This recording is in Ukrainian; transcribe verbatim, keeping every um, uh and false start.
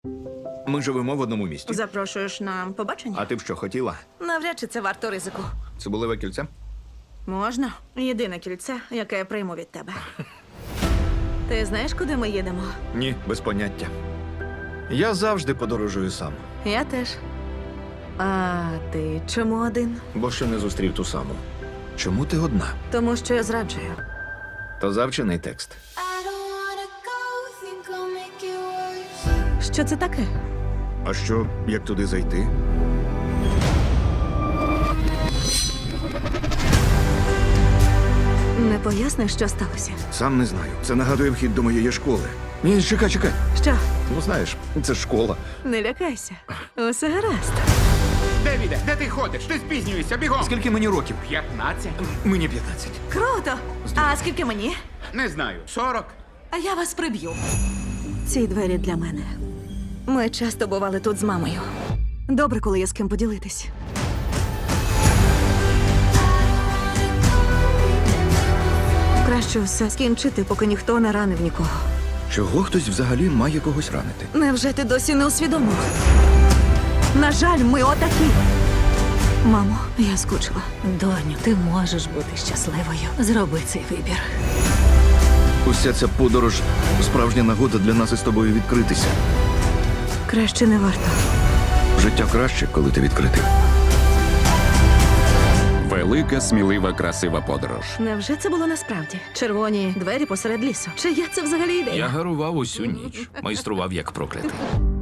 Ми живемо в одному місті. Запрошуєш на побачення? А ти б що хотіла? Навряд чи це варто ризику. Цибулеве кільце? Можна. Єдине кільце, яке я прийму від тебе. Ти знаєш, куди ми їдемо? Ні, без поняття. Я завжди подорожую сам, Я теж. А ти чому один? бо ще не зустрів ту саму. Чому ти одна? Тому що я зраджую. То завчений текст. I don't wanna go, think I'll make it worse. Що це таке? А що, як туди зайти? Не поясниш, що сталося? Сам не знаю. Це нагадує вхід до моєї школи. Ні, чекай, чекай. Що? Ну знаєш, це ж школа. Не лякайся. Усе гаразд. Девіде, де ти ходиш? Ти спізнюєшся, бігом! Скільки мені років? П'ятнадцять? Мені п'ятнадцять. Круто! А скільки мені? Не знаю. Сорок? А я вас приб'ю. Ці двері для мене. Ми часто бували тут з мамою. Добре, коли є з ким поділитись. Краще все скінчити, поки ніхто не ранив нікого. Чого хтось взагалі має когось ранити? Невже ти досі не усвідомив? На жаль, ми отакі. Мамо, я скучила. Доню, ти можеш бути щасливою. Зроби цей вибір. Уся ця подорож справжня нагода для нас із тобою відкритися. Краще не варто. Життя краще, коли ти відкритий. Велика, смілива, красива подорож. Невже це було насправді? Червоні двері посеред лісу. Чия це взагалі ідея? Я гарував усю ніч, майстрував як проклятий.